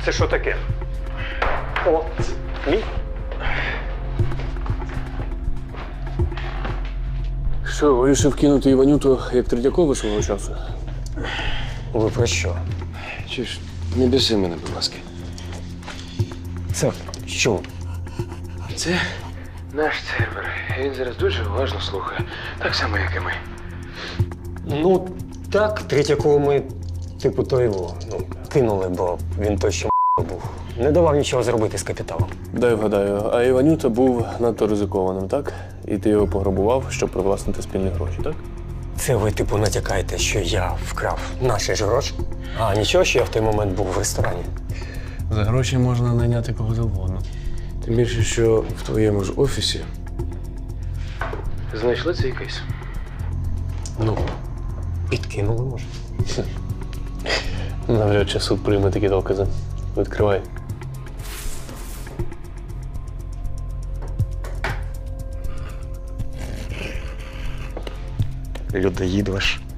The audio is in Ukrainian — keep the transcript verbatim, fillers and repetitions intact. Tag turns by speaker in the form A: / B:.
A: Це що таке? О, мій.
B: Що, вирішив кинути Іванюту як Третьякова свого часу?
C: Ви про що?
B: Чи ж, не біси мене, будь ласка.
C: Це що?
B: Це наш сервер. Він зараз дуже уважно слухає. Так само, як і ми.
C: Ну, так, Третьякова ми, типу, то його, ну, кинули, бо він той, що був. Не давав нічого зробити з капіталом.
B: Дай вгадаю, а Іванюта був надто ризикованим, так? І ти його пограбував, щоб привласнити спільні гроші, так?
C: Це ви, типу, натякаєте, що я вкрав наші ж гроші? А нічого, що я в той момент був в ресторані.
B: За гроші можна найняти кого завгодно. Тим більше, що в твоєму ж офісі знайшли цей кейс.
C: Ну, підкинули, може.
B: Навряд чи суд прийме такі докази. Відкривай.
C: Людоїд ваш.